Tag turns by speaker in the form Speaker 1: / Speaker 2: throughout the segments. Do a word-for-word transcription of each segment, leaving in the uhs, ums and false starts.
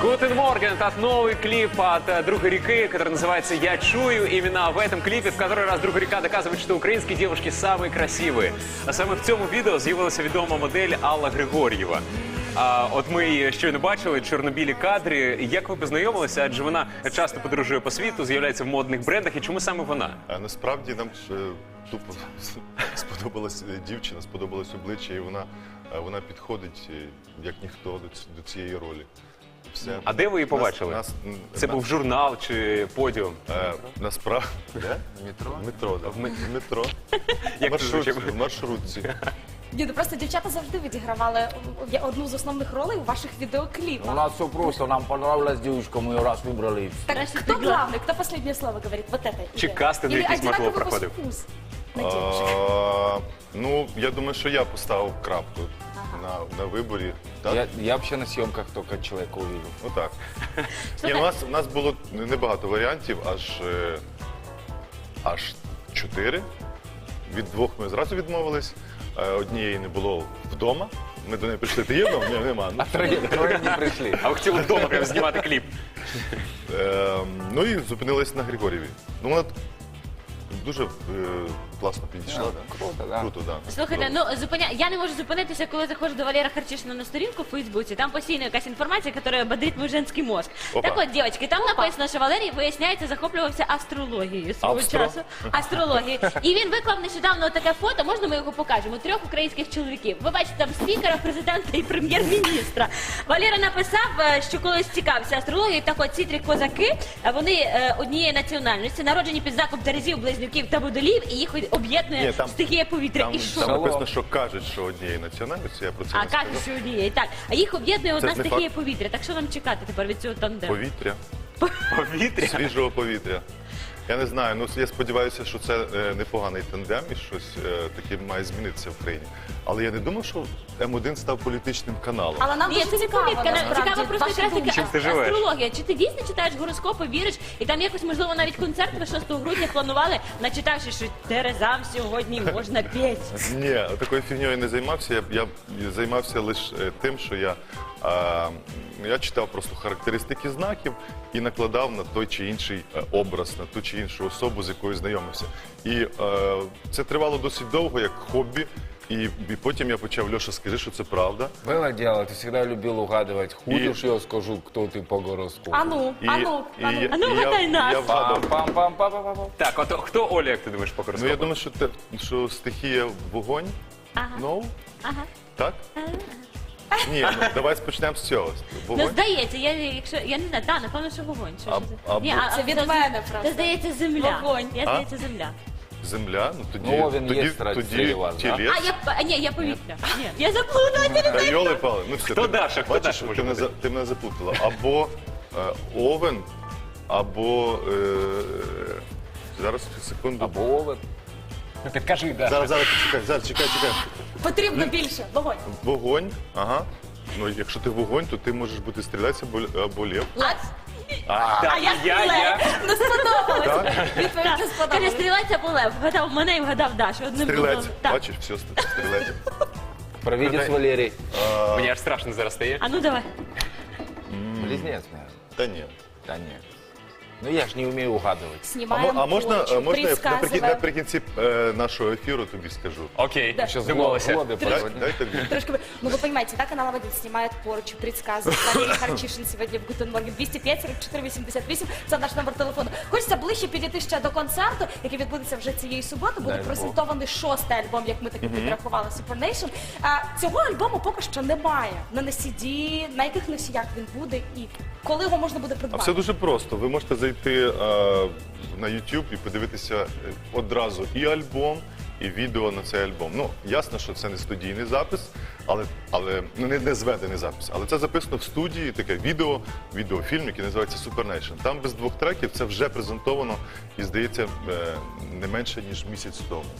Speaker 1: Guten Morgen, это новый клип от Друга Реки, который называется «Я чую». Именно в этом клипе в который раз Друга Река доказывает, что українські девушки самые красивые. А саме в цьому відео з'явилася відома модель Алла Григор'єва. А от ми її щойно бачили, чорно-білі кадри. Як ви познайомилися? Адже вона часто подорожує по світу, з'являється в модних брендах. І чому саме вона?
Speaker 2: А насправді нам е, тупо сподобалась дівчина, сподобалось обличчя, і вона, е, вона підходить, е, як ніхто, до, ц- до цієї ролі. Все.
Speaker 1: А де ви її побачили?
Speaker 2: Нас- нас-
Speaker 1: Це
Speaker 2: на-
Speaker 1: був журнал чи подіум?
Speaker 2: Е, насправді... Де?
Speaker 3: Метро?
Speaker 2: В метро, да.
Speaker 1: В ме-
Speaker 2: В метро.
Speaker 1: Як
Speaker 2: В маршрутці,
Speaker 1: це звучить?
Speaker 2: в маршрутці.
Speaker 4: Ні, ну просто дівчата завжди відігравали одну з основних ролей у ваших
Speaker 3: У
Speaker 4: відеокліпах.
Speaker 3: нас все просто, нам понравилась девушка, мы ее раз выбрали.
Speaker 4: Так кто главный, кто последнее слово говорит? Вот это.
Speaker 1: Чи
Speaker 4: идея.
Speaker 1: кастинг
Speaker 4: Или
Speaker 1: якийсь, можливо,
Speaker 4: одинаковый
Speaker 1: проходив?
Speaker 4: вкус на девушек?
Speaker 2: А, ну, я думаю, що я поставив крапку на, на виборі. Так?
Speaker 3: Я, я вообще на съемках только человека увидел.
Speaker 2: Отак. Ні, у нас, у нас було небагато варіантів, аж, е, аж чотири. Від двох ми зразу відмовились. Е, Однієї не було вдома. Ми до неї прийшли. Ти є вдома? Ні, нема. Ну,
Speaker 3: Трое, трое не пришли.
Speaker 1: А ви хотіли вдома прямо знімати кліп?
Speaker 2: е, ну і зупинились на Григорєві. Ну, вона дуже е, класно підійшла. Да?
Speaker 3: Круто, да.
Speaker 2: Круто, да.
Speaker 5: Слухайте, ну зупиня... я не можу зупинитися, коли заходжу до Валера Харчишина на сторінку в Фейсбуці. Там постійно якась інформація, яка бодрить мій женський мозк.
Speaker 2: Опа.
Speaker 5: Так от, дівчатки, там написано, що Валерій, виясняється, захоплювався астрологією свого
Speaker 2: Австро?
Speaker 5: часу. Астрологією. І він виклав нещодавно таке фото, можна ми його покажемо, трьох українських чоловіків. Ви бачите там спікера, президента і прем'єр-міністра. Валера написав, е, що колись цікавився астрологією, так от ці три козаки, е, вони е, однієї національності, народжені під знаком Терезів, Близнюків та Водолів, і їх об'єднує
Speaker 2: Ні, там-
Speaker 5: стихія повітря.
Speaker 2: Там,
Speaker 5: І що?
Speaker 2: там написано, що кажуть, що однієї національності, я про це
Speaker 5: А
Speaker 2: не
Speaker 5: кажуть,
Speaker 2: сказав.
Speaker 5: що однієї. Так. А їх об'єднує одна
Speaker 2: ж не
Speaker 5: стихія
Speaker 2: факт.
Speaker 5: повітря. Так що нам чекати тепер від цього тандему?
Speaker 2: Повітря.
Speaker 1: Повітря?
Speaker 2: Свіжого повітря. Я не знаю, ну я сподіваюся, що це е, непоганий тандем і щось е, таке має змінитися в країні. Але я не думав, що М один став політичним каналом.
Speaker 4: Але нам
Speaker 5: Ні,
Speaker 4: дуже
Speaker 5: це не
Speaker 4: цікаво,
Speaker 5: повідка.
Speaker 4: насправді,
Speaker 5: Цікаво просто
Speaker 4: ваші
Speaker 5: якраз
Speaker 4: думки.
Speaker 5: таки
Speaker 1: Чим ти живеш?
Speaker 5: астрологія. Чи ти дійсно читаєш гороскопи, віриш? І там якось, можливо, навіть концерт ви шостого грудня планували, начитавши, що Терезам сьогодні можна п'ять.
Speaker 2: Ні, такою фігньою я не займався. Я, я займався лише е, тим, що я, е, я читав просто характеристики знаків і накладав на той чи інший е, образ, на ту чи іншу особу, з якою знайомився. І е, це тривало досить довго, як хобі. І, і потім я почав: Льоша, скажи, що це правда.
Speaker 3: Было дело, ты всегда любил угадывать. Худишь, я скажу, кто ты по гороскопу.
Speaker 4: А ну,
Speaker 2: І,
Speaker 4: а ну, а ну.
Speaker 2: я-
Speaker 5: А ну,
Speaker 2: і
Speaker 5: вгадай
Speaker 2: я,
Speaker 5: нас.
Speaker 2: я вгадав.
Speaker 3: Пам-пам-пам-пам-пам.
Speaker 1: Так, от хто Оля, як ти думаєш, по
Speaker 2: Ну,
Speaker 1: гороскопу?
Speaker 2: я думаю, що, те, що стихія вогонь.
Speaker 5: Ага.
Speaker 2: Ну,
Speaker 5: Ага.
Speaker 2: так? Ні, ну, давай почнемо з цього.
Speaker 5: Ну,
Speaker 2: Вогонь?
Speaker 5: здається, я, якщо, я не знаю, так, напевно, що вогонь. Що,
Speaker 2: А-
Speaker 5: що це?
Speaker 2: або-
Speaker 5: Ні, а-
Speaker 4: Це від мене
Speaker 5: Це,
Speaker 4: просто.
Speaker 5: здається, земля.
Speaker 4: Вогонь.
Speaker 5: Я,
Speaker 2: А?
Speaker 5: здається, земля.
Speaker 2: Земля, ну тоді,
Speaker 3: Ну, Овен
Speaker 2: тоді,
Speaker 3: є страсть
Speaker 2: тоді
Speaker 3: серед вас, да?
Speaker 2: тілець.
Speaker 5: А, я, а, ні, я повітря. Ні, я заплутала.
Speaker 2: Та йоли пали. Ну, все,
Speaker 1: Хто
Speaker 2: ти,
Speaker 1: Даша? Хто
Speaker 2: бачиш,
Speaker 1: Даша
Speaker 2: ти
Speaker 1: може
Speaker 2: мене,
Speaker 1: бути?
Speaker 2: за- ти мене заплутала. Або е, овен, або... Е, зараз, секунду.
Speaker 3: Або овен.
Speaker 1: Ти кажи, да.
Speaker 2: Зараз, зараз, чекай, зараз, чекай, чекай.
Speaker 4: Потрібно більше. Вогонь.
Speaker 2: Вогонь, ага. Ну, якщо ти вогонь, то ти можеш бути стрілець або, або лев.
Speaker 4: Лев.
Speaker 1: Так,
Speaker 5: А я
Speaker 1: я, я.
Speaker 4: Не сподобалось.
Speaker 2: Так?
Speaker 4: Відповідь не
Speaker 5: Каже,
Speaker 4: сподобалась.
Speaker 5: стрілець або лев. Вгадав мене і вгадав Дашу. Одним
Speaker 2: Стрілець.
Speaker 5: було- Так.
Speaker 2: Бачиш, все, ст- стрілець.
Speaker 3: Провидец Валерий.
Speaker 1: Мені аж страшно зараз стає.
Speaker 5: А ну давай.
Speaker 3: Близнец, наверное.
Speaker 2: Та ні.
Speaker 3: Да нет. Ну я ж не умею угадывать.
Speaker 2: А,
Speaker 4: Знімаємо
Speaker 2: мо- а можна,
Speaker 4: порчу,
Speaker 2: можна я наприкін-
Speaker 4: предсказуємо.
Speaker 2: наприкінці е, нашого ефіру тобі скажу?
Speaker 1: Окей,
Speaker 3: Сейчас
Speaker 1: домовилися.
Speaker 3: годы
Speaker 2: Дай,
Speaker 3: проводим.
Speaker 2: дай тобі.
Speaker 4: Трошки, вы- ну вы понимаете, да, канал один снимает порчу, предсказывает. Валерий Харчишин сегодня в Гутен Морген. двісті п'ять сорок чотири вісімдесят вісім, це наш номер телефону. Хочеться ближче підійти ще до концерту, який відбудеться вже цієї суботи. Буде
Speaker 3: Дай Бог.
Speaker 4: презентований шостий альбом, як ми таки підрахували, Super Nation. А, цього альбому поки що немає. На не сі ді, на яких носіях він буде і коли його можна буде
Speaker 2: А
Speaker 4: придбати.
Speaker 2: все дуже просто. Ви можете зайти е, на YouTube і подивитися е, одразу і альбом, і відео на цей альбом. Ну, ясно, що це не студійний запис, але, але ну, не, не зведений запис. Але це записано в студії, таке відео, відеофільм, який називається Super Nation. Там без двох треків це вже презентовано і, здається, е, не менше, ніж місяць тому.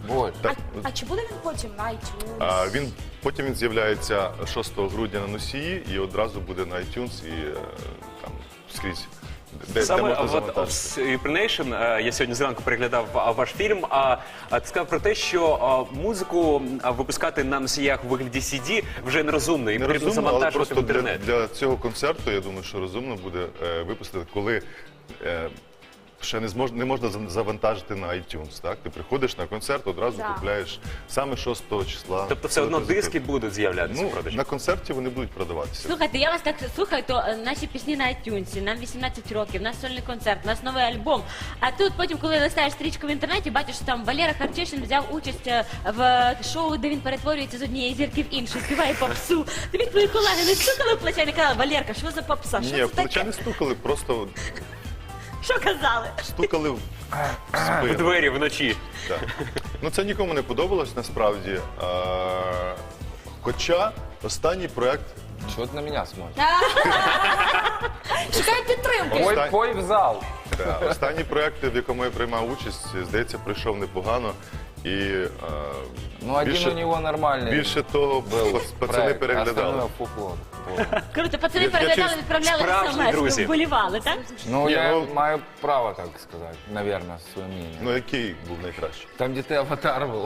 Speaker 3: Больше.
Speaker 4: А, а чи буде він потім на iTunes?
Speaker 2: А, він, потім він з'являється шостого грудня на носії і одразу буде на iTunes і е, там скрізь. Де, де
Speaker 1: Саме
Speaker 2: можна
Speaker 1: от
Speaker 2: завантажити.
Speaker 1: Nation, е, я сьогодні зранку переглядав а, ваш фільм, а а ти сказав про те, що а, музику а, випускати на носіях у вигляді сі ді вже нерозумно, і
Speaker 2: Не
Speaker 1: потрібно
Speaker 2: розумно, але
Speaker 1: завантажувати в
Speaker 2: просто для,
Speaker 1: інтернет.
Speaker 2: для цього концерту, я думаю, що розумно буде е, випустити, коли е, ще не, змож, не можна за- завантажити на iTunes. Так? Ти приходиш на концерт, одразу
Speaker 4: Да.
Speaker 2: купляєш саме шостого числа.
Speaker 1: Тобто все одно
Speaker 2: Позитив.
Speaker 1: диски будуть з'являтися в
Speaker 2: Ну,
Speaker 1: продажі.
Speaker 2: на концерті вони будуть продаватися.
Speaker 5: Слухайте, я вас так слухаю, то е, наші пісні на iTunes, нам вісімнадцять років, у нас сольний концерт, у нас новий альбом. А тут потім, коли листаєш стрічку в інтернеті, бачиш, що там Валера Харчишин взяв участь е, в шоу, де він перетворюється з однієї зірки в іншу, співає попсу. Тобі твої колеги не стукали в плече і не казали, Валерка, що за попса? Що
Speaker 2: Ні,
Speaker 5: це
Speaker 2: в плече
Speaker 5: таке?
Speaker 2: не стукали, просто
Speaker 5: Що казали?
Speaker 2: стукали в
Speaker 1: В
Speaker 2: спину.
Speaker 1: двері вночі.
Speaker 2: Так. Ну це нікому не подобалось насправді. А, хоча останній проект
Speaker 3: Чего ты на меня смотришь?
Speaker 4: Шукаю підтримки.
Speaker 3: Пой,
Speaker 2: Остань-
Speaker 3: пой в зал.
Speaker 2: Да, останній проект, в якому я приймав участь, здається, пройшов непогано. І е,
Speaker 3: Ну, один
Speaker 2: більше,
Speaker 3: у него нормальный
Speaker 2: більше того,
Speaker 3: был
Speaker 2: пац- пацани
Speaker 3: проект,
Speaker 2: переглядали.
Speaker 3: остальное фуфло. Вот.
Speaker 5: Круто, пацани
Speaker 2: Я- я
Speaker 5: переглядали,
Speaker 2: чув,
Speaker 5: відправляли
Speaker 1: справжні
Speaker 5: смс,
Speaker 1: друзі.
Speaker 5: вболівали, так?
Speaker 3: Ну,
Speaker 2: Не,
Speaker 3: я
Speaker 2: ну-
Speaker 3: маю право так сказать, наверное, свое мнение.
Speaker 2: Ну який був найкращий?
Speaker 3: Там, где ты аватар был.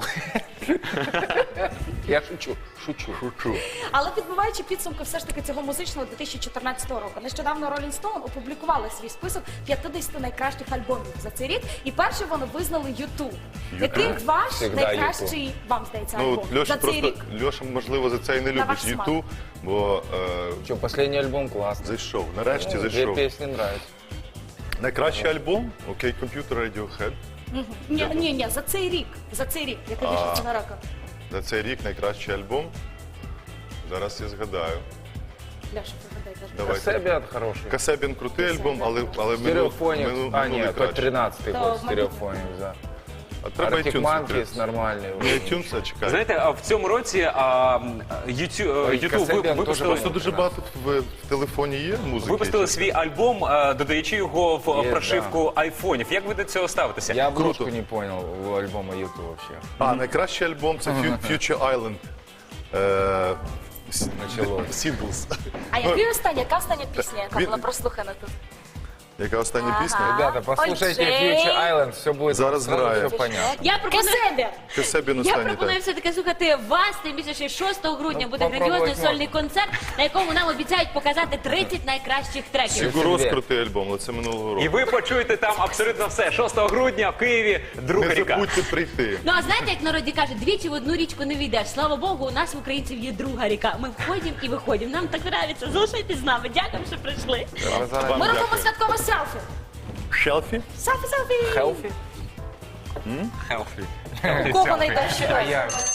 Speaker 3: Я шучу, шучу.
Speaker 2: Шучу.
Speaker 4: Але підбиваючи підсумки все ж таки цього музичного дві тисячі чотирнадцятого року, нещодавно Rolling Stone опублікували свій список п'ятдесят найкращих альбомів за цей рік, і першим вони визнали ютуб. Який ваш
Speaker 3: Всегда
Speaker 4: найкращий, вам здається,
Speaker 2: Ну,
Speaker 4: альбом
Speaker 2: от Льоша
Speaker 4: за цей
Speaker 2: просто
Speaker 4: рік?
Speaker 2: Льоша, можливо, за це і не
Speaker 4: На
Speaker 2: любить
Speaker 4: ваш смак.
Speaker 2: Юту, бо е,
Speaker 3: Что, последний альбом классный.
Speaker 2: зайшов. Нарешті
Speaker 3: Ну, две
Speaker 2: зайшов.
Speaker 3: песни нравятся.
Speaker 2: Найкращий альбом, окей, комп'ютер Radiohead.
Speaker 4: Ні, ні, ні, за цей рік, за цей рік, який вийшов на року.
Speaker 2: За цей рік найкращий альбом. Зараз я згадаю.
Speaker 4: Ляша, пригадай, кажи.
Speaker 2: Давайте.
Speaker 3: Касебиат хороший.
Speaker 2: Касебін крутий альбом, але, але минулий
Speaker 3: Стереофоник.
Speaker 2: мину-
Speaker 3: А,
Speaker 2: минулий
Speaker 3: нет, хоть
Speaker 2: краще.
Speaker 3: тринадцатый
Speaker 4: Да,
Speaker 3: год
Speaker 4: в
Speaker 3: стереофоник, да.
Speaker 2: А треба
Speaker 3: Arctic
Speaker 2: iTunes
Speaker 3: Monkeys
Speaker 2: відкрити.
Speaker 3: нормальный.
Speaker 2: Не iTunes, а чекай.
Speaker 1: Знаєте, а в цьому році а, Ютуб
Speaker 3: Ой,
Speaker 1: Ютуб
Speaker 3: Касебіан
Speaker 1: ви-
Speaker 3: теж
Speaker 1: випустили,
Speaker 2: Просто дуже багато в, в телефоні є музики.
Speaker 1: випустили свій альбом, а, додаючи його в
Speaker 3: Є,
Speaker 1: прошивку айфонів. Як ви до цього ставитеся?
Speaker 3: Я обложку
Speaker 2: Круто.
Speaker 3: не понял у альбома YouTube вообще.
Speaker 2: А, найкращий альбом це Fu- Future Island. Е, с-
Speaker 3: Началось.
Speaker 2: Singles.
Speaker 4: А який останній, яка остання пісня, яка
Speaker 2: Він-
Speaker 4: була прослухана тут?
Speaker 2: Яка остання
Speaker 4: Ага.
Speaker 2: пісня?
Speaker 3: Ребята, послушайте
Speaker 4: Ой,
Speaker 3: Future Island, все будет
Speaker 2: Зараз
Speaker 3: сразу
Speaker 2: грає.
Speaker 3: все понятно.
Speaker 5: Я пропоную...
Speaker 4: Касебі!
Speaker 2: Касебін
Speaker 5: Я
Speaker 2: останній,
Speaker 5: пропоную
Speaker 2: так.
Speaker 5: все-таки слухати вас, тим більше, що шостого грудня
Speaker 3: Ну,
Speaker 5: буде
Speaker 3: попробувати
Speaker 5: грандіозний
Speaker 3: можна.
Speaker 5: сольний концерт, на якому нам обіцяють показати тридцять найкращих треків.
Speaker 2: Сігурос
Speaker 3: Собі.
Speaker 2: крутий альбом, але це минулого року.
Speaker 1: І ви почуєте там абсолютно все. шостого грудня в Києві друга
Speaker 2: Не
Speaker 1: ріка.
Speaker 2: забудьте прийти.
Speaker 5: Ну а знаєте, як в народі кажуть, двічі в одну річку не війдеш. Слава Богу, у нас в українців є друга ріка. Ми входимо і виходимо. Нам так подобається. Залишайтесь з нами. Дякую, що прийшли.
Speaker 3: Базара
Speaker 2: Вам
Speaker 4: Ми робимо
Speaker 2: дякую.
Speaker 4: святкове селфі.
Speaker 2: Шелфі?
Speaker 4: Селфі, селфі.
Speaker 3: Healthy?
Speaker 1: Healthy.
Speaker 4: У кого найдовші
Speaker 3: А
Speaker 4: ноги?
Speaker 3: я.